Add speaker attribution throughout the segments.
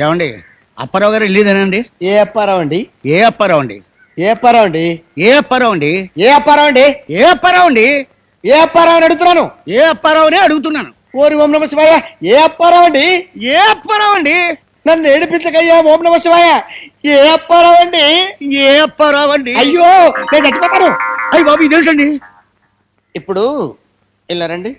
Speaker 1: ఏమండి అప్పారావు గారు వెళ్ళేదేనండి?
Speaker 2: ఏ అప్పారావు అండి?
Speaker 1: ఏ అప్పారావు అండి?
Speaker 2: ఏ అప్పారావు అండి?
Speaker 1: ఏ అప్పారావు అండి?
Speaker 2: ఏ అప్పారావు అండి?
Speaker 1: ఏ అప్పారావు అండి?
Speaker 2: ఏ అప్పారావు అని అడుగుతున్నాను.
Speaker 1: ఏ అప్పారావునే అడుగుతున్నాను.
Speaker 2: ఓరి ఓం నమ శివాయ. ఏ అప్పారావు అండి?
Speaker 1: ఏ అప్పారావు అండి?
Speaker 2: నన్ను ఏడిపించకయ్యా ఓం నమ శివాయ. ఏ అప్పారావు అండి?
Speaker 1: ఏ అప్పారావు అండి?
Speaker 2: అయ్యో నేను చచ్చిపోతాను.
Speaker 1: అయ్యి బాబు ఇదేంటండి?
Speaker 2: ఇప్పుడు వెళ్ళారండి.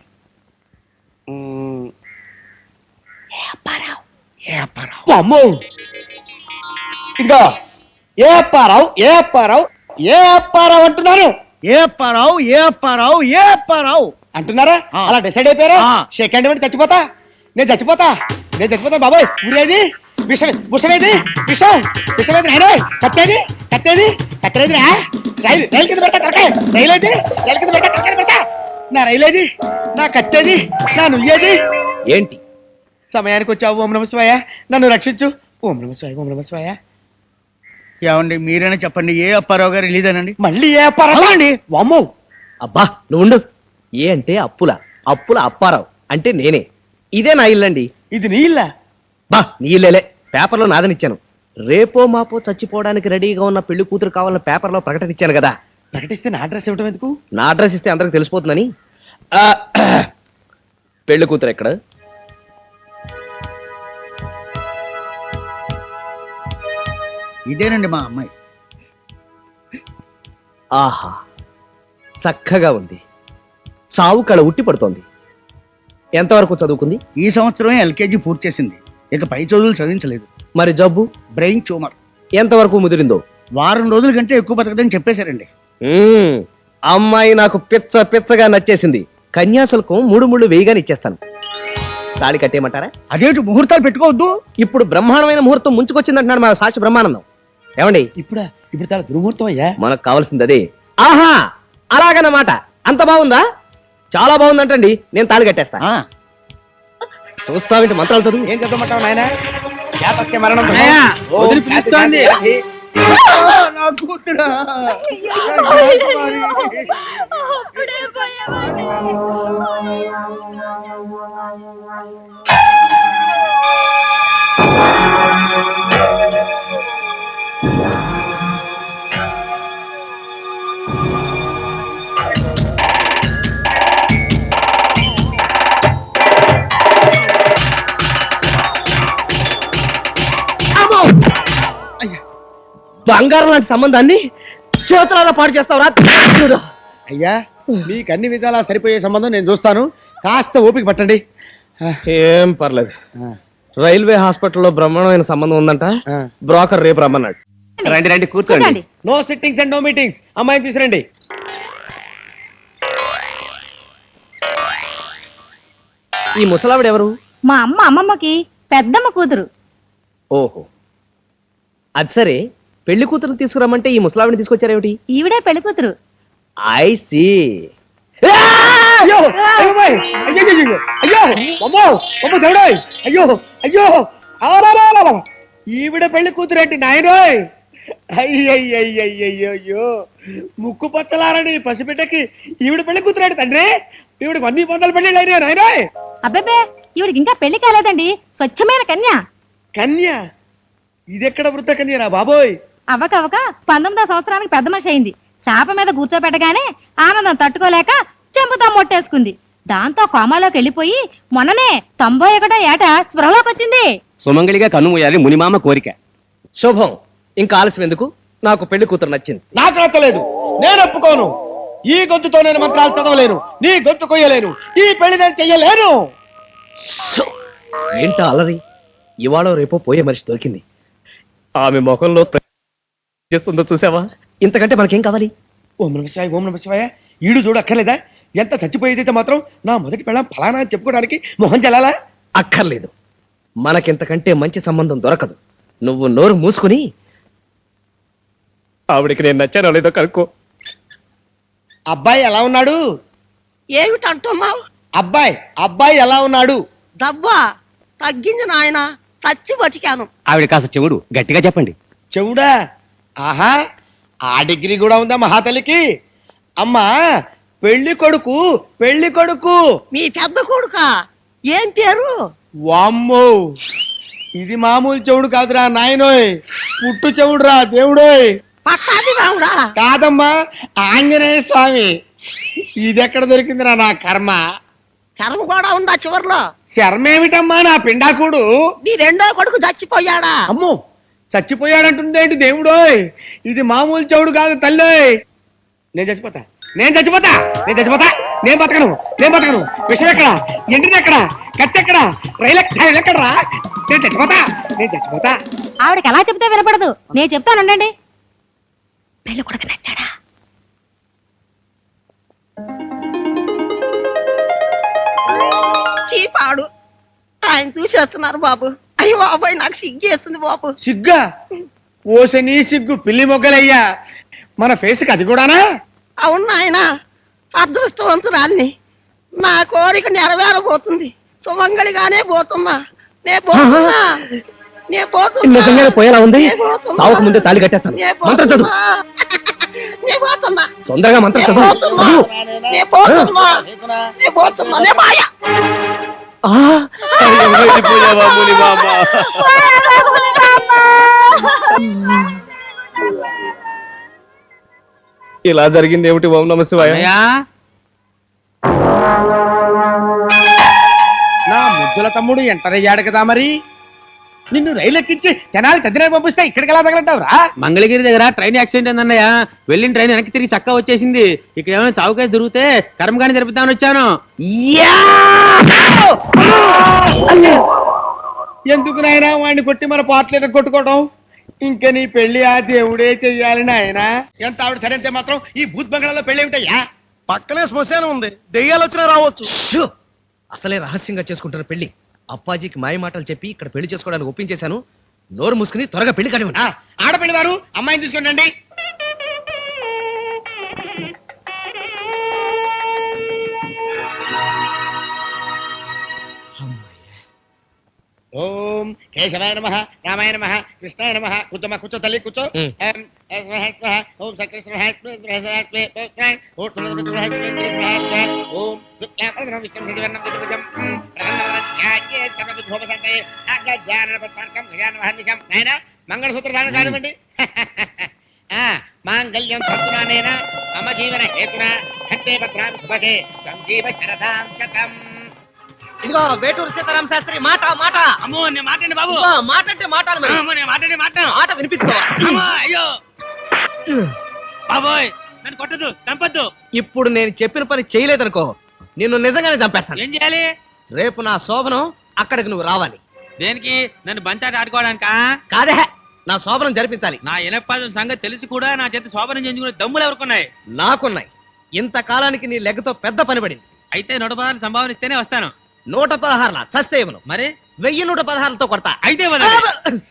Speaker 1: ఏ అప్పారావు?
Speaker 2: అమ్మో ఇదిగో ఏ అప్పారావు ఏ అప్పారావు ఏ అప్పారావు అంటున్నాను.
Speaker 1: ఏ అప్పారావు? ఏ అప్పారావు? ఏ అప్పారావు
Speaker 2: అంటున్నారా? అలా డిసైడ్ అయిపోయారా?
Speaker 1: ఆ.
Speaker 2: సెకండ్ ఇవ్వండి. నేను చచ్చిపోతా బాబాయ్. ఊరేది విషమేది విషమేది కట్టేది రైలు కింద పెట్టా రైలు కింద పెట్టా నా రైలేది నా కట్టేది నా నుయ్యేది.
Speaker 3: ఏంటి
Speaker 2: సమయానికి వచ్చావు ఓం నమ శివాయ. నన్ను రక్షించు ఓం నమ శివాయ ఓం నమ శివాయ.
Speaker 1: ఏమండి మీరైనా చెప్పండి. ఏ అప్పారావు గారు వెళ్ళేదేనండి?
Speaker 2: మళ్ళీ ఏ అప్పారావు అండి? వామ్మో
Speaker 3: అబ్బా నువ్వు ఉండు. ఏ అంటే అప్పుల అప్పారావు అంటే నేనే. ఇదే నా ఇల్లండి.
Speaker 2: ఇది నీ ఇల్లా?
Speaker 3: బా నీ ఇల్లేలే, పేపర్లో నాదనిచ్చాను. రేపో మాపో చచ్చిపోవడానికి రెడీగా ఉన్న పెళ్లి కూతురు కావాలని పేపర్లో ప్రకటన ఇచ్చాను కదా.
Speaker 2: ప్రకటిస్తే నా అడ్రస్ ఇవ్వటం ఎందుకు?
Speaker 3: నా అడ్రస్ ఇస్తే అందరికి తెలిసిపోతుందని. పెళ్లి కూతురు ఎక్కడ?
Speaker 1: ఇదేనండి మా అమ్మాయి.
Speaker 3: ఆహా చక్కగా ఉంది. చావు కళ ఉట్టి పడుతోంది. ఎంతవరకు చదువుకుంది?
Speaker 1: ఈ సంవత్సరమే ఎల్కేజీ పూర్తి చేసింది. ఇక పై చదువులు చదివించలేదు.
Speaker 3: మరి జబ్బు?
Speaker 1: Brain tumour.
Speaker 3: ఎంతవరకు ముదిరిందో?
Speaker 1: వారం రోజుల కంటే ఎక్కువ బతకదని చెప్పేశారండి.
Speaker 3: అమ్మాయి నాకు పిచ్చగా నచ్చేసింది. కన్యాశుల్కం 3 ముళ్ళు వేయగానే ఇచ్చేస్తాను. తాళి కట్టేయమంటారా?
Speaker 1: అదేంటి ముహూర్తాలు పెట్టుకోవద్దు?
Speaker 3: ఇప్పుడు బ్రహ్మాండమైన ముహూర్తం ముంచుకొచ్చిందంటున్నాడు మా సాక్షి బ్రహ్మానందం. ఏమండి
Speaker 2: ఇప్పుడు చాలా దుర్ముహూర్తం అయ్యా.
Speaker 3: మనకు కావాల్సింది అదే. ఆహా అలాగన్నమాట. అంత బాగుందా? చాలా బాగుందంటండి. నేను తాళి కట్టేస్తా. చూస్తావేంటి మంత్రాలు చదువు.
Speaker 2: ఏం చదవమంటావు నాయన? జాతస్య మరణం
Speaker 1: నాయనా,
Speaker 2: ఓం
Speaker 1: వదిలి పిలుస్తోంది.
Speaker 2: శాంతి.
Speaker 1: నా కూతురా.
Speaker 3: బంగారం లాంటి సంబంధాన్ని చేతులారా పాడు చేస్తావురా.
Speaker 2: అయ్యా మీకు అన్ని విధాలా సరిపోయే సంబంధం నేను చూస్తాను. కాస్త ఓపిక పట్టండి.
Speaker 3: ఏం పర్లేదు. రైల్వే హాస్పిటల్లో బ్రహ్మాండమైన సంబంధం ఉందంట. బ్రోకర్ రేపు రమ్మన్నాడు. రండి కూర్చోండి.
Speaker 2: No sittings and no meetings. అమ్మాయిని తీసుకురండి.
Speaker 3: ఈ ముసలావిడ ఎవరు?
Speaker 4: మా అమ్మమ్మకి పెద్దమ్మ కూతురు.
Speaker 3: ఓహో అది సరే. పెళ్లి కూతురు తీసుకురమ్మంటే ఈ ముసలావిడిని తీసుకొచ్చారేమిటి?
Speaker 4: ఈవిడే పెళ్లి కూతురు.
Speaker 3: I see.
Speaker 2: అయ్యో అయ్యోయ్! అయ్యో అయ్యో అమ్మో అమ్మో దేవుడోయ్! అయ్యో ఆరారారా! ఈవిడ పెళ్లి కూతురేంటి నాయనోయ్? అయ్యయ్యో ముక్కు పచ్చలారని పసిబిడ్డకి ఈవిడ పెళ్లి కూతురేంటి తండ్రి? ఈవిడికి 100 పెళ్లి అయినా నాయనోయ్.
Speaker 4: అబ్బేబే ఈవిడికి ఇంకా పెళ్లి కాలేదండి. స్వచ్ఛమైన కన్య.
Speaker 2: కన్య? ఇదెక్కడ వృద్ధ కన్యరా బాబోయ్?
Speaker 4: అవ్వకవ్వక 19వ సంవత్సరానికి పెద్ద మనిషి అయింది. చాప మీద కూర్చోబెట్టగానే ఆనందం తట్టుకోలేక చెంపుతా మొట్టేసుకుంది. దాంతో కోమాలోకి వెళ్ళిపోయి మొన్ననే 91వ ఏట స్పృహలోకి వచ్చింది.
Speaker 3: సుమంగళిగా కన్నుమూయాలి మునిమామ కోరిక. శుభం. ఇంకా ఆలస్యం ఎందుకు? నాకు పెళ్లి కూతురు నచ్చింది.
Speaker 2: నాకు నచ్చలేదు. నేను ఒప్పుకోను. ఈ గొంతుతో నేను మంత్రాలు చదవలేను. నీ గొంతు కొయ్యలేను. ఈ పెళ్లి నేను చెయ్యలేను.
Speaker 3: ఏంటా అలరి? ఇవాళ రేపో పోయే మనిషి దొరికింది. ఆమె ముఖంలో చేస్తుందో చూసావా? ఇంతకంటే మనకేం కావాలి?
Speaker 2: ఓం నమ శివాయ. ఈడు చూడు అక్కర్లేదా? ఎంత చచ్చిపోయేదైతే మాత్రం నా మొదటి పెళ్ళం ఫలానా అని చెప్పుకోవడానికి మొహం చెల్లాలా?
Speaker 3: అక్కర్లేదు. మనకింతకంటే మంచి సంబంధం దొరకదు. నువ్వు నోరు మూసుకుని ఆవిడికి నేను నచ్చానో లేదో కనుక్కో.
Speaker 2: అబ్బాయి ఎలా ఉన్నాడు?
Speaker 5: ఏమిటంటున్నావు?
Speaker 2: అబ్బాయి ఎలా ఉన్నాడు?
Speaker 5: దవ్వా తగ్గింది నాయన. చచ్చి బతికాను.
Speaker 3: ఆవిడ కాస్త చెవుడు గట్టిగా చెప్పండి.
Speaker 2: చెవుడా? ఆహా ఆ డిగ్రీ కూడా ఉందా మహాతల్లికి? అమ్మా పెళ్లి కొడుకు
Speaker 5: మీ పెద్ద కొడుకా? ఏం పేరు?
Speaker 2: వామ్మో ఇది మామూలు చెవుడు కాదురా నాయనోయ్, పుట్టు చెవుడురా దేవుడోయ్.
Speaker 5: పట్టాది రావుడా.
Speaker 2: కాదమ్మా, ఆంజనేయ స్వామి. ఇదెక్కడ దొరికిందిరా నా కర్మ?
Speaker 5: కర్మ కూడా ఉందా చివర్లో?
Speaker 2: శర్మేమిటమ్మా నా పిండాకుడు?
Speaker 5: నీ రెండో కొడుకు చచ్చిపోయాడా?
Speaker 2: అమ్మో, చచ్చిపోయాడంటుందేంటి దేవుడోయ్? ఇది మామూలు చెవుడు కాదు తల్లోయ్. నేను చచ్చిపోతా, నేను చచ్చిపోతా, నేను చచ్చిపోతా, నేను బతకను, నేను బతకను. విషయం ఎక్కడ, ఎండిది ఎక్కడ, కత్తి ఎక్కడ, రైలు ఎక్కడరా? నేను చచ్చిపోతా, నేను చచ్చిపోతా.
Speaker 4: ఆవిడకి ఎలా చెప్తే వినపడదు, నేను చెప్తానండి. పెళ్ళి కొడుకు నచ్చాడా?
Speaker 5: చీపాడు. ఆయన చూసేస్తున్నారు బాబు. అయ్యో బాబాయ్, నాకు సిగ్గేస్తుంది బాబు.
Speaker 2: సిగ్గా? ఓసని సిగ్గు పిల్లి మొగ్గలయ్యా. మన ఫేస్కి అది కూడానా?
Speaker 5: అవును నాయన, అదృష్టవంతురాల్ని. నా కోరిక నెరవేరబోతుంది. సుమంగళిగానే పోతున్నా. నే పోతున్నా, నే పోతున్నా.
Speaker 3: నిజంగానే పోయేలా ఉంది.
Speaker 5: నే పోతున్నా.
Speaker 3: చావక ముందే తాళి కట్టేస్తాను.
Speaker 5: నే
Speaker 3: మంత్రం చదువు.
Speaker 5: పోతున్నా. నే పోతున్నా.
Speaker 3: తొందరగా మంత్రం
Speaker 5: నే
Speaker 3: చదువు.
Speaker 5: పోతున్నా.
Speaker 3: చదువు.
Speaker 5: నే పోతున్నా. నే పోతున్నా. నే మాయ.
Speaker 3: ఆ,
Speaker 1: వెళ్ళిపోయావా ముని మామ?
Speaker 3: ఇలా జరిగింది ఏమిటి? ఓం నమ శివాయ.
Speaker 1: అన్నయ్య,
Speaker 2: నా ముద్దుల తమ్ముడు ఎంటర్ అయ్యాడు కదా మరి. నిన్ను రైలు ఎక్కించి జనాలు తదిన పంపిస్తే ఇక్కడికి ఎలా తగలంటావురా?
Speaker 6: మంగళగిరి దగ్గర ట్రైన్ యాక్సిడెంట్ అయిందన్నయ్య. వెళ్ళిన ట్రైన్ వెనక్కి తిరిగి చక్కా వచ్చేసింది. ఇక్కడ ఏమైనా చౌకేసి దొరికితే కర్మగాని జరుపుతామని వచ్చాను.
Speaker 2: ఎందుకు నాయనా వాడిని కొట్టి మన పాటలు కొట్టుకోవడం? ఇంకా నీ పెళ్లి ఆ దేవుడే చెయ్యాలి నాయనా. ఎంత ఆవిడ సరైతే మాత్రం ఈ భూత్ బంగ్లాలో పెళ్లి ఏమిటయ్యా?
Speaker 3: పక్కనే శ్మశానం ఉంది, దెయ్యాలు వచ్చినా రావచ్చు. అసలే రహస్యంగా చేసుకుంటున్న పెళ్లి. అప్పాజీకి మాయ మాటలు చెప్పి ఇక్కడ పెళ్లి చేసుకోవడానికి ఒప్పించేశాను. నోరు మూసుకుని త్వరగా పెళ్లి కానివ్వండి.
Speaker 2: ఆడపిల్లి వారు అమ్మాయిని తీసుకుని రండి. ఓం కేశవాయ నమః, రామాయ నమః, కృష్ణాయ నమః. కూర్చోమా, కూర్చో తల్లి, కూర్చో. ఓం సకృష్ణ మంగళసూత్రధారణ కానివ్వండి. మాంగళ్యం తంతునానేన మమ జీవన హేతున కంటే భద్రామి శుభగే సంజీవ శరదాం శతం.
Speaker 3: ఇదిగో వేటూరు సీతారామ శాస్త్రి మాట మాట.
Speaker 1: అమ్మో నేను మాట్లాడి బాబు.
Speaker 3: మాట అంటే మాటలు మరి.
Speaker 1: అమ్మో, నేను మాట్లాడి మాట
Speaker 3: మాట వినిపించుకోవా?
Speaker 1: అమ్మో, అయ్యో బాబోయ్, నన్ను కొట్టదు, చంపొద్దు.
Speaker 3: ఇప్పుడు నేను చెప్పిన పని చేయలేదనుకో, నిన్ను నిజంగానే చంపేస్తాను.
Speaker 1: ఏం చేయాలి?
Speaker 3: రేపు నా శోభనం అక్కడికి నువ్వు రావాలి.
Speaker 1: దేనికి? నన్ను బంతాట ఆడుకోవడానికా?
Speaker 3: కాదే, నా శోభనం జరిపించాలి.
Speaker 1: నా ఇనపాదం సంగతి తెలిసి కూడా నా చేత శోభనం చేయించుకునే దమ్ములు ఎవరుకున్నాయి?
Speaker 3: నాకున్నాయి. ఇంతకాలానికి నీ లెగ్గతో పెద్ద పని పడింది.
Speaker 1: అయితే 116 సంభావన ఇస్తేనే వస్తాను.
Speaker 3: 116 చస్తే ఇవ్వను.
Speaker 1: మరి
Speaker 3: 1116తో కొడతా.
Speaker 1: అయితే వదలండి.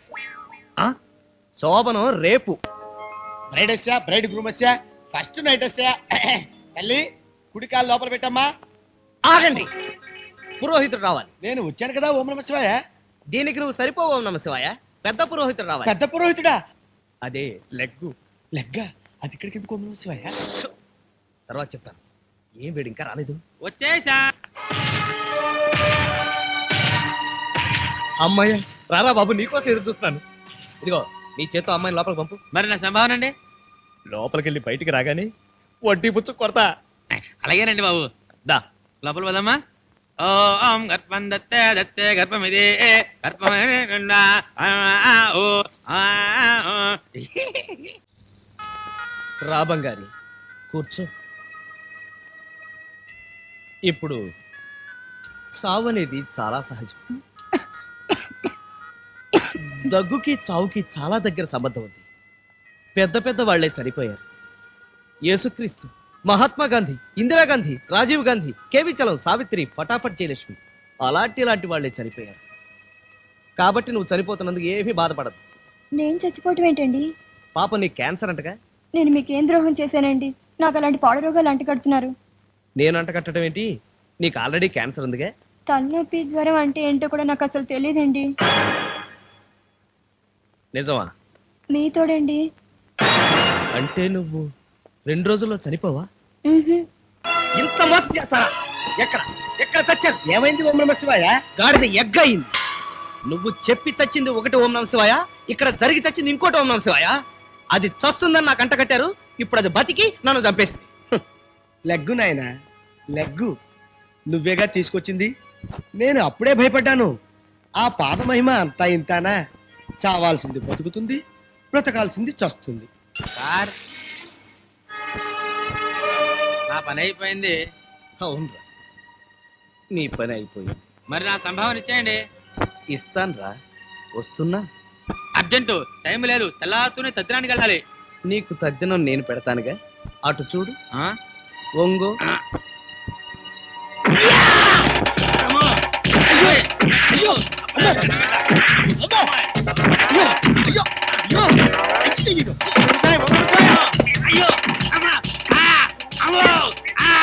Speaker 3: శోభనం రేపు.
Speaker 2: బ్రైడ్ వచ్చా, బ్రైడ్ గ్రూమ్ వచ్చా, ఫస్ట్ నైట్ వచ్చా. తల్లి కుడికాలు లోపల పెట్టమ్మా.
Speaker 3: ఆగండి, పురోహితుడు రావాలి.
Speaker 2: నేను వచ్చాను కదా. ఓం నమ శివాయ.
Speaker 3: దీనికి నువ్వు సరిపోవు నమ శివాయ. పెద్ద పురోహితుడు రావాలి.
Speaker 2: పెద్ద పురోహితుడా?
Speaker 3: అదే లెగ్గు.
Speaker 2: లెగ్గా? అది ఇక్కడికి ఎందుకు? ఓం నమ శివాయ.
Speaker 3: తర్వాత చెప్తాను. ఏం వేడి ఇంకా రాలేదు.
Speaker 1: వచ్చేసా.
Speaker 3: అమ్మాయ్య రారా బాబు, నీకోసం ఎదురు చూస్తున్నాను. ఇదిగో నీ చేత్తో అమ్మాయిని లోపలికి పంపు.
Speaker 1: మరి నా సంభావన అండి?
Speaker 3: లోపలికి వెళ్ళి బయటికి రాగానే వడ్డీ పుచ్చు కొడతా.
Speaker 1: అలాగేనండి బాబు.
Speaker 3: దా
Speaker 1: లోపల పోదమ్మా. ఓం గర్భం దత్తే దత్తే గర్భమిదే గర్భమే.
Speaker 3: రా బంగారి, కూర్చో. ఇప్పుడు సావు అనేది చాలా సహజం. దగ్గుకి చావుకి చాలా దగ్గర సంబంధం ఉంది. పెద్ద పెద్ద వాళ్లే చనిపోయారు. యేసుక్రీస్తు, మహాత్మా గాంధీ, ఇందిరాగాంధీ, రాజీవ్ గాంధీ, కేవి చలం, సావిత్రి, పటాపట్ జయలక్ష్మి అలాంటి వాళ్లే చనిపోయారు. కాబట్టి నువ్వు చనిపోతున్నందుకు ఏమీ బాధపడదు.
Speaker 7: నేను చచ్చిపోవటం ఏంటండి?
Speaker 3: పాపం నీ క్యాన్సర్ అంటగా.
Speaker 7: నేను మీకేం ద్రోహం చేశానండి? నాకు అలాంటి పాడు రోగాలు అంటగడుతున్నారు.
Speaker 3: నేను అంటకట్టడం ఏంటి? నీకు ఆల్రెడీ క్యాన్సర్ ఉందిగా.
Speaker 7: తలనొప్పి, జ్వరం అంటే ఏంటో కూడా నాకు అసలు తెలియదండి.
Speaker 3: నిజమా?
Speaker 7: మీతోడండి.
Speaker 3: అంటే నువ్వు 2 రోజుల్లో చనిపోవా?
Speaker 7: మ్హూ.
Speaker 3: ఇంత మోసం చేస్తారా? ఎక్కడ ఎక్కడ చచ్చారు?
Speaker 2: ఏమైంది? ఓం నమ శివాయ.
Speaker 3: గాడిద ఎగ్గ అయింది. నువ్వు చెప్పి చచ్చింది ఒకటి ఓం నమ శివాయ, ఇక్కడ జరిగి చచ్చింది ఇంకోటి ఓం నమ శివాయ. అది చస్తుందని నాకు అంట కట్టారు, ఇప్పుడు అది బతికి నన్ను చంపేసింది.
Speaker 2: లెగ్గు నాయనా, లెగ్గు నువ్వేగా తీసుకొచ్చింది. నేను అప్పుడే భయపడ్డాను. ఆ పాదమహిమ అంతా ఇంతానా? చావాల్సింది బతుకుతుంది, బ్రతకాల్సింది చస్తుంది.
Speaker 1: సార్ నా పని అయిపోయింది.
Speaker 3: అవునరా, నీ పని అయిపోయింది.
Speaker 1: మరి నా సంభావన ఇచ్చేయండి.
Speaker 3: ఇస్తాన్రా, వస్తున్నా.
Speaker 1: అర్జెంటు, టైం లేదు. తెల్లారుతూనే తద్దినానికి వెళ్ళాలి.
Speaker 3: నీకు తద్దినం నేను పెడతానుగా, అటు చూడు.
Speaker 1: ఆ?
Speaker 3: ఒంగో.
Speaker 1: అమ్మో! అయ్యో! అయ్యో! అయ్యో! అమ్మా! ఆ! అమ్మో! ఆ!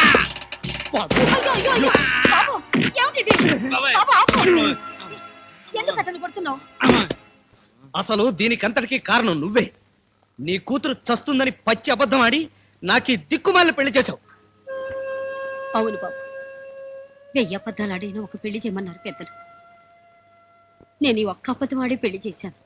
Speaker 4: బాబు, ఏమిటిది?
Speaker 1: బాబాయ్!
Speaker 4: బాబు, ఆపు. ఎందుకు అతను కొడుతున్నావు?
Speaker 1: అమ్మా!
Speaker 3: అసలు దీనికంతటికి కారణం నువ్వే. నీ కూతురు చస్తుందని పచ్చి అబద్ధం ఆడి నాకీ దిక్కుమాలిన పెళ్లి చేశావు.
Speaker 8: అవును బాబు, 1000 అబద్ధాలు ఆడిన ఒక పెళ్లి చేయమన్నారు పెద్దలు. నేను ఈ ఒక్క అబద్ధం ఆడి పెళ్లి చేశాను.